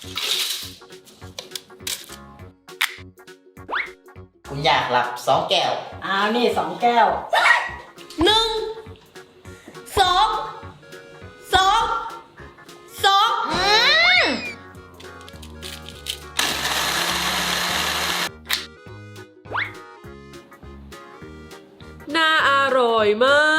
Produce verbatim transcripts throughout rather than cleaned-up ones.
คุณอยากหลับสองแก้วอ้าวนี่สองแก้วหนึ่งสองสองสองอืมน่าอร่อยมาก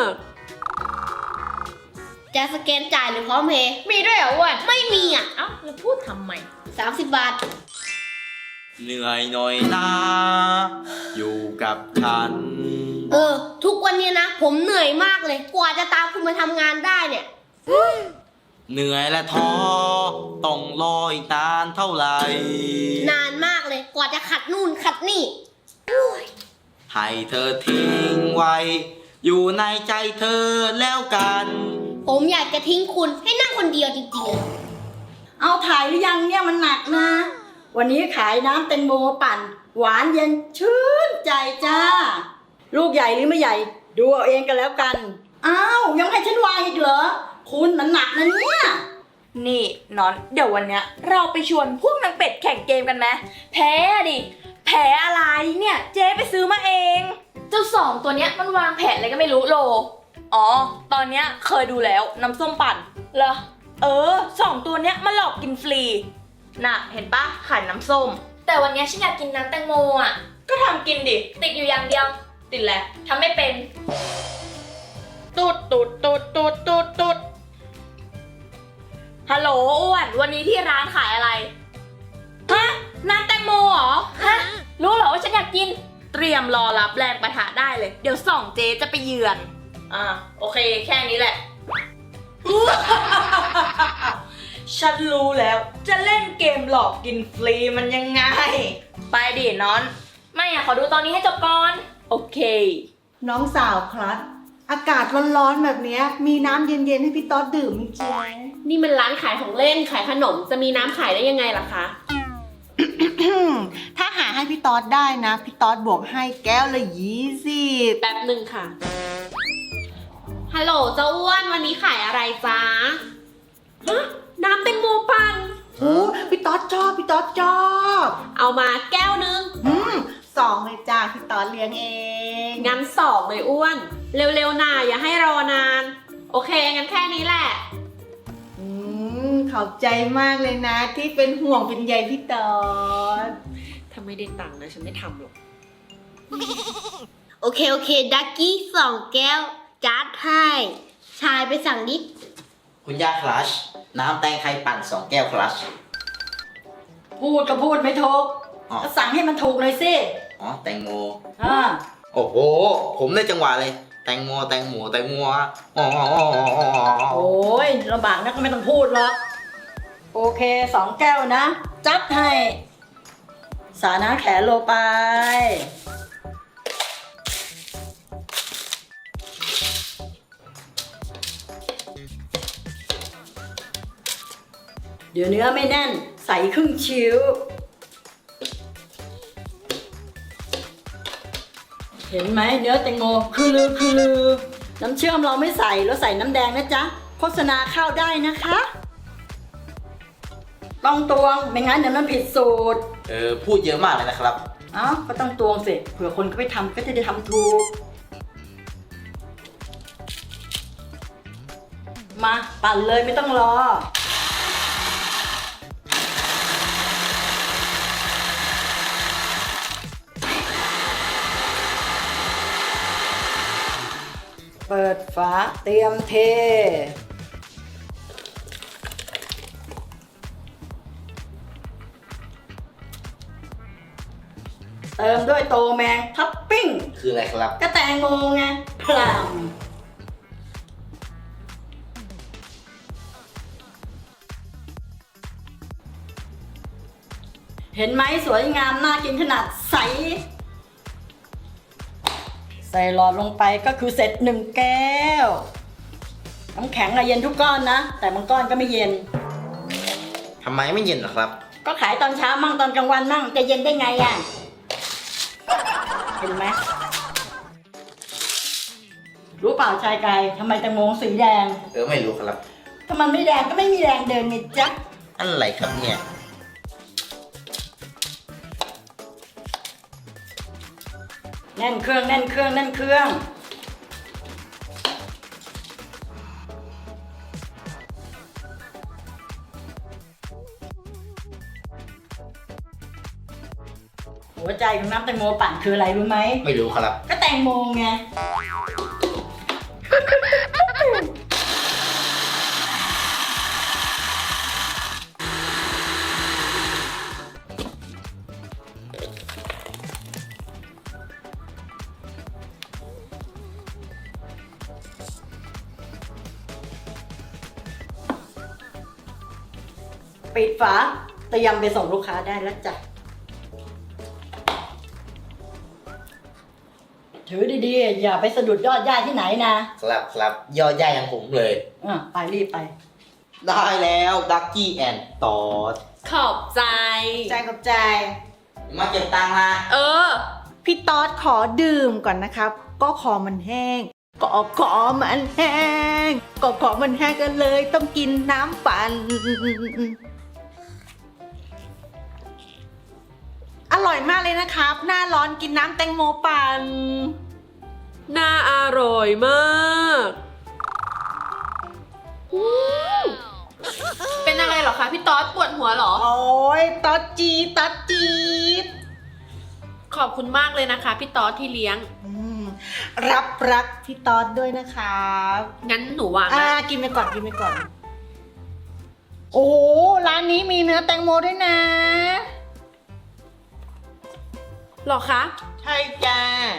จะสแกนจ่ายหรือพร้อมเพย์มีด้วยเหรออ้วนไม่มีอ่ะเอ้าแล้วพูดทำไมสามสิบบาทเหนื่อยหน่อยนะอยู่กับฉันเออ ทุกวันนี้นะ ผมเหนื่อยมากเลย กว่าจะตามคุณมาทำงานได้เนี่ยเหนื่อยและท้อต้องรออีกนานเท่าไหร่นานมากเลย กว่าจะขัดนู่นขัดนี่ให้เธอทิ้งไว้ อยู่ในใจเธอแล้วกันผมอยากจะทิ้งคุณให้นั่งคนเดียวจริงๆเลยเอาถ่ายหรือยังเนี่ยมันหนักนะ วันนี้ขายน้ำแตงโมปั่น หวานเย็นชื่นใจจ้า ลูกใหญ่หรือไม่ใหญ่ ดูเอาเองกันแล้วกัน อ้าวยังให้ฉันวางอีกเหรอ คุณมันหนักนะเนี่ยนี่นอนเดี๋ยววันเนี้ยเราไปชวนพวกนางเป็ดแข่งเกมกันไหมแพ้ดิ แพ้อะไรเนี่ยเจ๊ไปซื้อมาเอง เจ้าสองตัวเนี้ยมันวางแผนอะไรก็ไม่รู้โล อ๋อ ตอนเนี้ยเคยดูแล้วน้ำส้มปั่นเหรอ เออสองตัวเนี้ยมันหลอกกินฟรี น่ะ เห็นปะขายน้ำส้มแต่วันนี้ฉันอยากกินน้ำแตงโมอ่ะก็ทำกินดิติดอยู่อย่างเดียวติดแหละทำไม่เป็นตูดตูดตูดตูดตูดตูดฮัลโหลอ้วน วันนี้ที่ร้านขายอะไร ฮะ น้ำแตงโมเหรอฮะ รู้เหรอว่าฉันอยากกินเตรียมรอรับแรงประทะได้เลย เดี๋ยวส่องเจ๊จะไปเยือน อ่า โอเค แค่นี้แหละ ฉันรู้แล้ว จะเล่นเกมหลอกกินฟรีมันยังไง ไปดิน้อนไม่อ่ะ ขอดูตอนนี้ให้จบก่อนโอเคน้องสาวครับ อากาศร้อนๆแบบเนี้ยมีน้ำเย็นๆให้พี่ต๊อดดื่มจริงนี่มันร้านขายของเล่นขายขนมจะมีน้ำขายได้ยังไงล่ะคะถ้าหาให้พี่ต๊อดได้นะ พี่ต๊อดบวกให้แก้วละยี่สิบแป๊บหนึ่งค่ะ ฮัลโหลเจ้าอ้วนวันนี้ขายอะไรจ๊ะฮะน้ำแตงโมปั่นโอ้พี่ต๊อดชอบพี่ต๊อดชอบเอามาแก้วนึงอืมสองเลยจ้าพี่ต๊อดเลี้ยงเองงั้นสองเลยอ้วน เร็วๆหน่าอย่าให้รอนาน โอเคงั้นแค่นี้แหละอืมขอบใจมากเลยนะ ที่เป็นห่วงเป็นใยพี่ต๊อดถ้าไม่ได้ตังค์นะฉันไม่ทำหรอกโอเค โอเค ดักกี้สองแก้ว จัดให้ ชายไปสั่งนิดคุณยาคลัชน้ำแตงไทยปั่นสองแก้วคลัชพูดก็พูดไม่ถูกอ๋อก็สั่งให้มันถูกหน่อยสิอ๋อแตงโมอ่าโอ้โห ผมได้จังหวะเลย แตงโมแตงโมแตงโมอ๋อโอ้ยลำบากนักก็ไม่ต้องพูดหรอกโอเคสองแก้วนะ จัดให้ สานะแขนโลไป เดี๋ยวเนื้อไม่แน่น ใส่ครึ่งชิ้ว เห็นไหมเนื้อแตงโมคือลือคือลือ น้ำเชื่อมเราไม่ใส่เราใส่น้ำแดงนะจ๊ะ โฆษณาเข้าได้นะคะ ต้องตวงไม่งั้นเดี๋ยวมันผิดสูตรเออพูดเยอะมากเลยนะครับเอ้าก็ต้องตวงสิเผื่อคนเขาไปทำก็จะได้ทำถูก มาปั่นเลยไม่ต้องรอ เปิดฝาเตรียมเท เติมด้วยโตแมงท็อปปิ้งคืออะไรครับก็แตงโมไงพลัมเห็นไหมสวยงามน่ากินขนาดใส ใส่หลอดลงไปก็คือเสร็จหนึ่งแก้ว น้ำแข็งอะเย็นทุกก้อนนะ แต่บางก้อนก็ไม่เย็นทำไมไม่เย็นหรอครับก็ขายตอนเช้ามั่งตอนกลางวันมั่งจะเย็นได้ไงอ่ะ เห็นไหมรู้เปล่าชายกายทำไมแตงโมสีแดงเออไม่รู้ครับถ้ามันไม่แดงก็ไม่มีแรงเดินไงจ๊ะอะไรครับเนี่ยแน่นเครื่องแน่นเครื่องแน่นเครื่องหัวใจของน้ำแตงโมปั่นคืออะไรรู้ไหมไม่รู้ครับก็แตงโมไง ปิดฝาเตรียมไปส่งลูกค้าได้แล้วจ้ะ ถือดีๆ อย่าไปสะดุดยอดหญ้าที่ไหนนะครับครับยอดย่าอย่างผมเลยอ่ะไปรีบไปได้แล้วดักกี้แอนด์ตอดขอบใจใจขอบใจมาเก็บตังค์นะเออพี่ต๊อดขอดื่มก่อนนะครับ ก็คอมันแห้ง ก็คอมันแห้ง ก็คอมันแห้งกันเลยต้องกินน้ำปั่น อร่อยมากเลยนะครับ หน้าร้อนกินน้ำแตงโมปั่นน่าอร่อยมากเป็นอะไรเหรอคะพี่ต๊อดปวดหัวเหรอโอ้ยต๊อดจีดต๊อดจีดขอบคุณมากเลยนะคะพี่ต๊อดที่เลี้ยงอืมรับรักพี่ต๊อดด้วยนะครับงั้นหนูวางอ่านะกินไปก่อนกินไปก่อน โอ้โหร้านนี้มีเนื้อแตงโมด้วยนะหรอคะใช่จ้า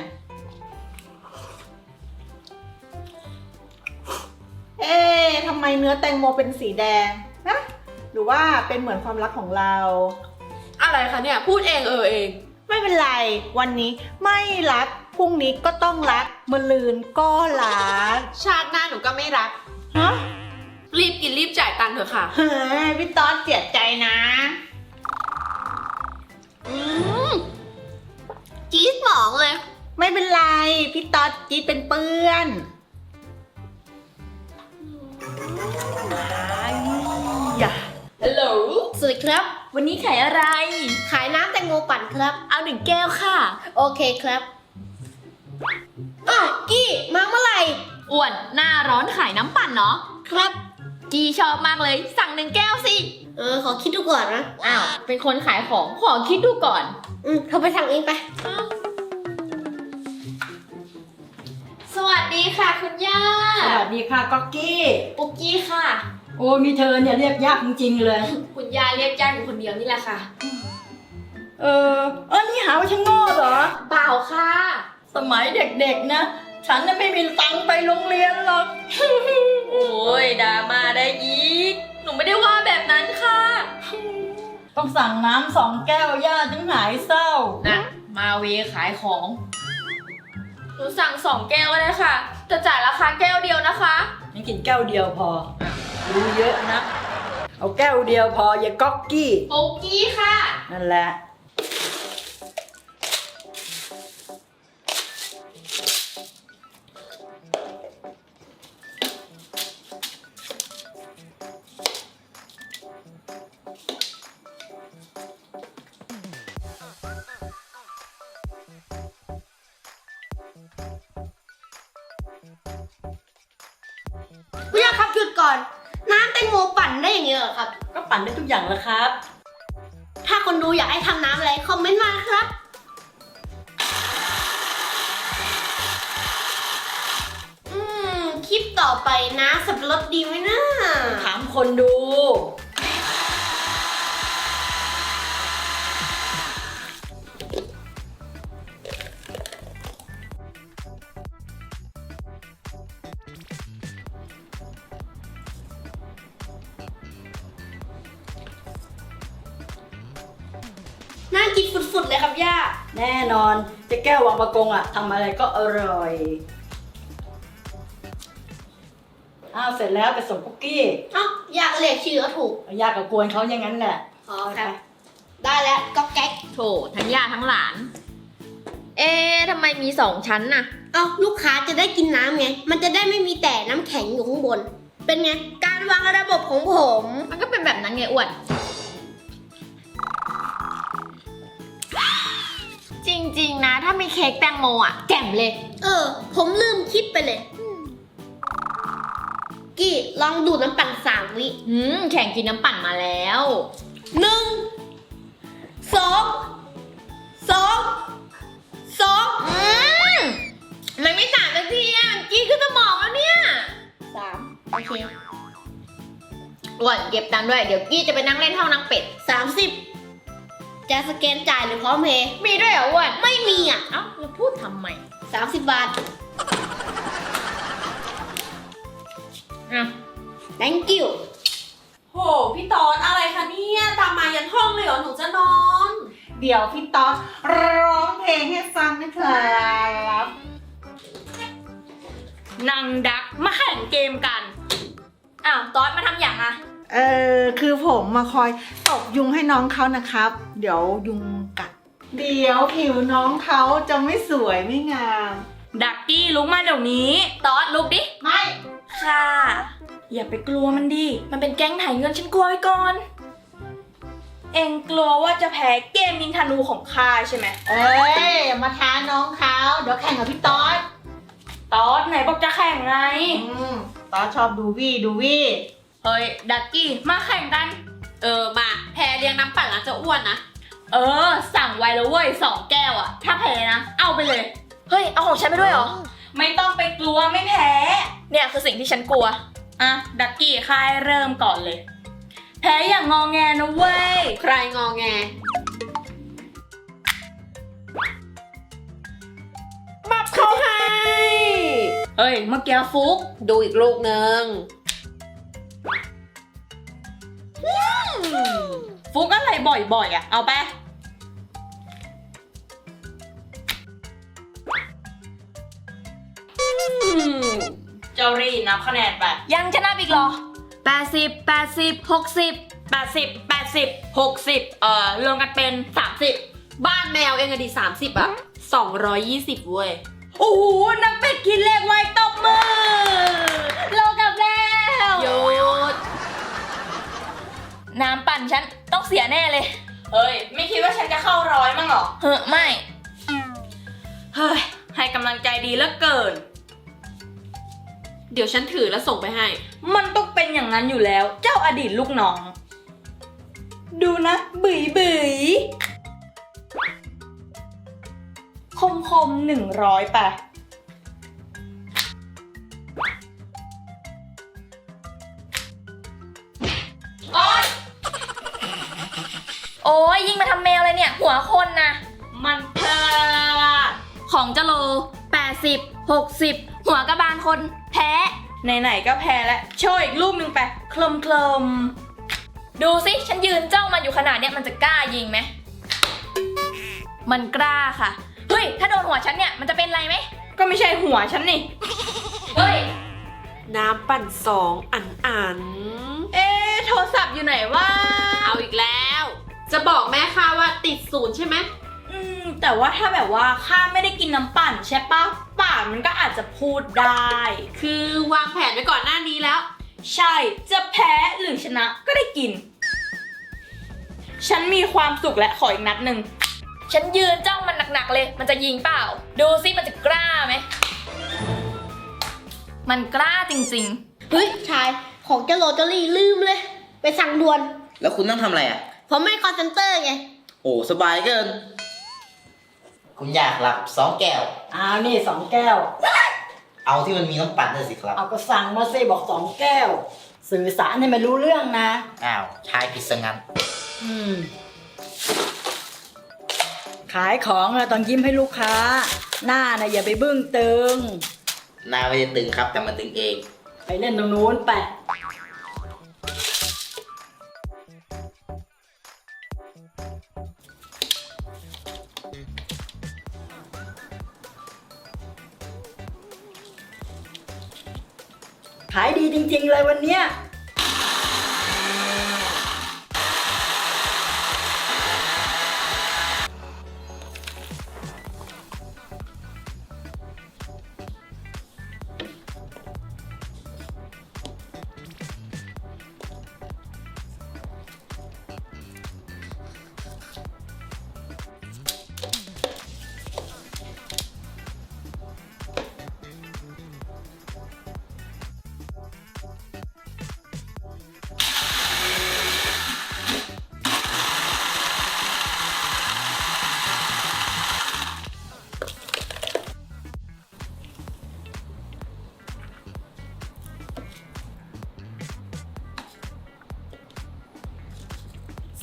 เอ๊ะทำไมเนื้อแตงโมเป็นสีแดงนะหรือว่าเป็นเหมือนความรักของเราอะไรคะเนี่ยพูดเองเออเองไม่เป็นไร วันนี้ไม่รัก พรุ่งนี้ก็ต้องรักมะลืนก็รักชาติหน้าหนูก็ไม่รักฮะรีบกินรีบจ่ายตังค์เถอะค่ะเฮ้ยพี่ต๊อดเสียใจนะอืมจี๊ดหมองเลยไม่เป็นไร พี่ต๊อดจีดเป็นเปื้อนอย่าฮัลโหลสวัสดีครับวันนี้ขายอะไรขายน้ำแตงโมปั่นครับเอาหนึ่งแก้วค่ะโอเคครับอ้าวกี้มาเมื่อไหร่อ้วนหน้าร้อนขายน้ำปั่นเนาะครับจีชอบมากเลย สั่งหนึ่งแก้วสิเออ ขอคิดดูก่อนนะอ้าว เป็นคนขายของขอคิดดูก่อนอืมเธอไปสั่งเองไปสวัสดีค่ะคุณย่าสวัสดีค่ะก๊อกกี้ปุกกี้ค่ะโอ้มีเธอเนี่ยเรียกยากจริงๆเลยคุณย่าเรียกย่าอยู่คนเดียวนี่แหละค่ะเออเออนี่หาว่าฉันโง่เหรอเปล่าค่ะสมัยเด็กๆนะ ฉันน่ะไม่มีตังค์ไปโรงเรียนหรอกโอ้ยดราม่าได้อีก หนูไม่ได้ว่าแบบนั้นค่ะต้องสั่งน้ำสองแก้วย่าถึงหายเศร้านะมาเวขายของ หนูสั่งสองแก้วก็ได้ค่ะ จะจ่ายราคาแก้วเดียวนะคะฉันกินแก้วเดียวพอรู้เยอะนะ เอาแก้วเดียวพออย่าก๊อกกี้ปุกกี้ค่ะนั่นแหละคุณย่าครับหยุดก่อน น้ำแตงโมปั่นได้อย่างเงี้ยเหรอครับก็ปั่นได้ทุกอย่างแล้วครับถ้าคนดูอยากให้ทำน้ำอะไร คอมเมนต์มาครับ อืม คลิปต่อไปนะสับปะรดดีไหมนะถามคนดูน่ากินฝุดๆเลยครับย่าแน่นอนเจ๊แก้ววังประกงอ่ะทำอะไรก็อร่อยอ้าวเสร็จแล้วไปส่งคุกกี้เอ้าอยากเรียกชื่อก็ถูกยากกับกวนเขาอย่างนั้นแหละอ๋อครับ ได้แล้วก็แก๊กโถทั้งย่าทั้งหลาน เอ๊ะทำไมมีสองชั้นน่ะเอ้าลูกค้าจะได้กินน้ำไง มันจะได้ไม่มีแต่น้ำแข็งอยู่ข้างบนเป็นไง การวางระบบของผมมันก็เป็นแบบนั้นไงอ้วน จริงๆนะ ถ้ามีเค้กแตงโมอ่ะแจ่มเลยเออ ผมลืมคิดไปเลย กี่ลองดูดน้ำปั่นสามวิอืม แข่งกินน้ำปั่นมาแล้วหนึ่งสองสองสองอืมมันไม่สามนาทีอ่ะกี้ขึ้นสมองแล้วเนี่ยสามโอเคอ้วนเก็บตังค์ด้วย เดี๋ยวกี้จะไปนั่งเล่นห้องนางเป็ดสามสิบจะสแกนจ่ายหรือพร้อมเพย์มีด้วยเหรออ้วนไม่มีอ่ะเอ้าเราพูดทำไมสามสิบบาทอ่ะ thank you โห พี่ตอนอะไรคะเนี่ยตามมายันห้องเลยเหรอ หนูจะนอนเดี๋ยวพี่ต๊อดร้องเพลงให้ฟังนะครับนางดักมาแข่งเกมกัน อ้าวตอนมาทำอย่างอะเออคือผมมาคอยตบยุงให้น้องเขานะครับ เดี๋ยวยุงกัด เดี๋ยวผิวน้องเขาจะไม่สวยไม่งามดักกี้ลุกมาเดี๋ยวนี้ ตอนลุกดิไม่ค่ะ อย่าไปกลัวมันดิ มันเป็นแก๊งถ่ายเงินฉันกลัวไว้ก่อน เอ็งกลัวว่าจะแพ้เกมยิงธนูของข้าใช่ไหมเอ้ยอย่ามาท้าน้องเขาเดี๋ยวแข่งกับพี่ต๊อดตอนไหนบอกจะแข่งไงอืมต๊อดชอบดูวี่ดูวี่เฮ้ย ดักกี้มาแข่งกันเออ มา แพรเลี้ยงน้ำปั่นแล้วจะอ้วนนะเออ สั่งไว้แล้วเว้ยสองแก้วอะถ้าแพ้นะ เอาไปเลย เฮ้ย เอาของฉันไปด้วยเหรอ ไม่ต้องไปกลัวไม่แพ้ เนี่ยคือสิ่งที่ฉันกลัว อ่ะ ดักกี้ค่ายเริ่มก่อนเลย แพ้อย่างงอแงนะเว้ยใครงอแงบับเขาให้ เฮ้ย เมื่อกี้ฟุกดูอีกลูกหนึ่งฟุกอะไรบ่อยๆอ่ะ เอาไป เจ้ารีนับคะแนนไป ยังชนะอีกเหรอแปดสิบ แปดสิบ หกสิบ แปดสิบ แปดสิบ หกสิบ เอ่อ รวมกันเป็นสามสิบบ้านแมวเองอะดิสามสิบอะสองร้อยยี่สิบเว้ยโอ้โห นักเป็ดกินเลขไว้ตบมือโลกับแล้วหยุดน้ำปั่นฉันต้องเสียแน่เลย เฮ้ย ไม่คิดว่าฉันจะเข้าร้อยมั้งหรอ เฮ้อไม่ เฮ้ย ให้กำลังใจดีเหลือเกินเดี๋ยวฉันถือแล้วส่งไปให้มันต้องเป็นอย่างนั้นอยู่แล้ว เจ้าอดีตลูกน้อง ดูนะบึ๋ยบึ๋ยคมคมหนึ่งร้อยไป โอ๊ย โอ้ยยิงมาทำแมวเลยเนี่ย หัวคนนะ มันพลาดของเจโลแปดสิบ หกสิบ หัวกระบาลคนแพ้ ไหนๆก็แพ้แล้ว โชว์อีกรูปหนึ่งไปเคลมเคลมดูสิ ฉันยืนจ้องมันอยู่ขนาดเนี้ยมันจะกล้ายิงไหม มันกล้าค่ะ เฮ้ย ถ้าโดนหัวฉันเนี่ย มันจะเป็นไรไหม ก็ไม่ใช่หัวฉันนี่ เฮ้ยน้ำปั่นสองอันอันเอ๊ะ โทรศัพท์อยู่ไหนวะเอาอีกแล้ว จะบอกแม่ค้าว่าติดศูนย์ใช่ไหมอืม แต่ว่าถ้าแบบว่าข้าไม่ได้กินน้ำปั่นใช่ปะปากมันก็อาจจะพูดได้คือวางแผนไว้ก่อนหน้านี้แล้วใช่ จะแพ้หรือชนะก็ได้กิน ฉันมีความสุขและขออีกนัดหนึ่ง ฉันยืนจ้องมันหนักๆเลย มันจะยิงเปล่า ดูสิมันจะกล้าไหม มันกล้าจริงเฮ้ย ชาย ของเจโรเจอรี่ลืมเลย ไปสั่งด่วนแล้วคุณต้องทำอะไรอ่ะผมไม่คอนเซนเตอร์ไงโอ้สบายเกิน คุณอยากหลับสองแก้วอ้าวนี่สองแก้วเอาที่มันมีน้ำปั่นด้วยสิครับเอาก็สั่งมาสิบอกสองแก้ว สื่อสารให้มันรู้เรื่องนะอ้าวชายผิดซะงั้นอืม ขายของนะต้องยิ้มให้ลูกค้า หน้านะอย่าไปบึ้งตึงหน้าไม่ได้ตึงครับ แต่มันตึงเองไปเล่นตรงนู้นไป ขายดีจริงๆเลยวันเนี้ย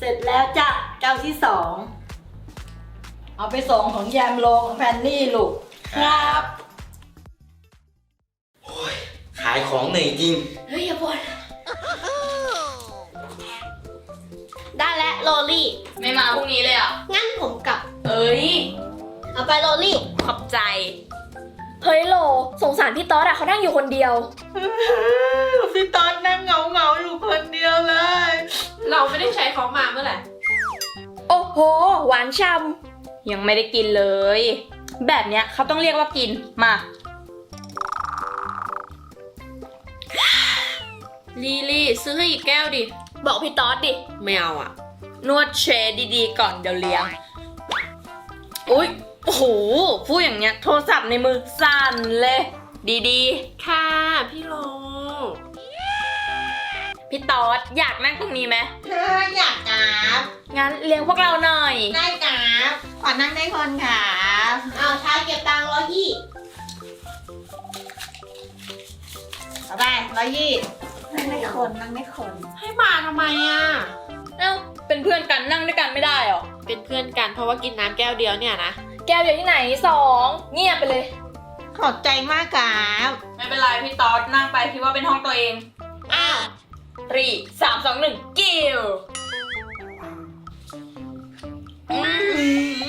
เสร็จแล้วจ้ะแก้วที่สองเอาไปส่งของแยมโลของแพนนี่ลูกครับ ขายของเหนื่อยจริงเฮ้ยอย่าบ่นได้แล้วโรลลี่ไม่มาพรุ่งนี้เลยอ่ะงั้นผมกลับเอ้ยเอาไปโรลลี่ขอบใจ เฮ้ยโหลสงสารพี่ต๊อดอะเขานั่งอยู่คนเดียวพี่ตอนนั่งเหงาเหงาๆอยู่คนเดียวเลยเราไม่ได้ใช้เขามาเมื่อไหร่โอ้โห หวานช่ำยังไม่ได้กินเลย แบบเนี้ยเขาต้องเรียกว่ากิน มาลีลี่ซื้อให้อีกแก้วดิบอกพี่ต๊อดดิไม่เอาอ่ะนวดเชดดีๆก่อนเดี๋ยวเลี้ยง อุ๊ย โอ้โห พูดอย่างเงี้ย โทรศัพท์ในมือสั่นเลย ดีค่ะ พี่โลๆ พี่ต๊อดอยากนั่งตรงนี้ไหมเธออยากกราบงั้นเลี้ยงพวกเราหน่อยได้กราบขอนั่งได้คนค่ะเอาชายเก็บตังค์ร้อยยี่เอาไปร้อยยี่นั่งได้คนนั่งได้คนให้มาทำไมอ่ะเอ้า เป็นเพื่อนกันนั่งด้วยกันไม่ได้หรอเป็นเพื่อนกันเพราะว่ากินน้ำแก้วเดียวเนี่ยนะแก้วเดียวที่ไหนสองเงียบไปเลยขอบใจมากกราบไม่เป็นไรพี่ต๊อดนั่งไปคิดว่าเป็นห้องตัวเอง อ้าวรีสามสองหนึ่งกิ้วอืม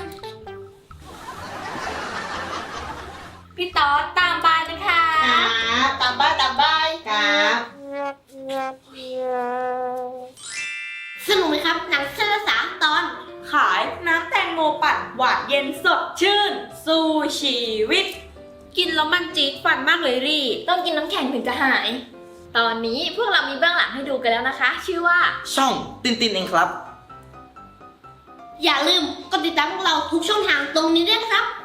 พี่ต๊อดตามบายนะคะครับตามบ้านตามบ้านครับสนุกไหมครับ หนังสั้นละสามตอนขายน้ำแตงโมปั่นหวานเย็นสดชื่น สู้ชีวิตกินแล้วมันจี๊ดฟันมากเลยรี่ต้องกินน้ำแข็งถึงจะหาย ตอนนี้พวกเรามีเบื้องหลังให้ดูกันแล้วนะคะ ชื่อว่าช่องตินตินเองครับอย่าลืมกดติดตามพวกเราทุกช่องทางตรงนี้ด้วยนะครับ